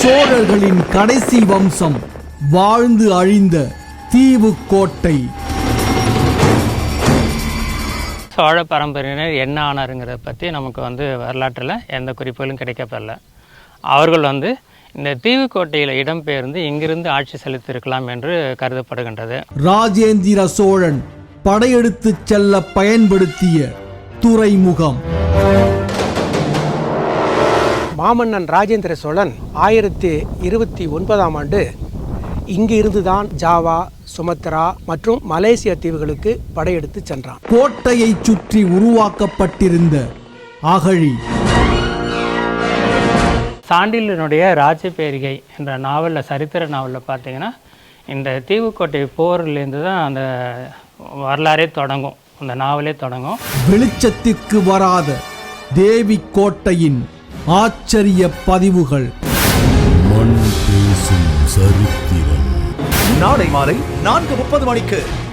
சோழர்களின் கடைசி வம்சம் வாழ்ந்து அழிந்த தீவு கோட்டை. சோழ பரம்பரையினர் என்ன ஆனாருங்கிறத பற்றி நமக்கு வரலாற்றில் எந்த குறிப்புகளும் கிடைக்கப்படல. அவர்கள் இந்த தீவுக்கோட்டையில் இடம்பெயர்ந்து இங்கிருந்து ஆட்சி செலுத்தியிருக்கலாம் என்று கருதப்படுகின்றது. ராஜேந்திர சோழன் படையெடுத்து செல்ல பயன்படுத்திய துறைமுகம். மாமன்னன் ராஜேந்திர சோழன் 1029ஆம் ஆண்டு இங்கு இருந்துதான் ஜாவா, சுமத்ரா மற்றும் மலேசிய தீவுகளுக்கு படையெடுத்து சென்றான். கோட்டையை சுற்றி உருவாக்கப்பட்டிருந்த அகழி. சாண்டில்யனுடைய ராஜபேரிகை என்ற நாவலில், சரித்திர நாவலில் பார்த்தீங்கன்னா, இந்த தீவுக்கோட்டை போர்லேருந்து தான் அந்த வரலாறே தொடங்கும், அந்த நாவலே தொடங்கும். வெளிச்சத்திற்கு வராத தேவி கோட்டையின் ஆச்சரிய பதிவுகள். மண் பேசும் சரித்திரம். நாளை மாலை 4:30 மணிக்கு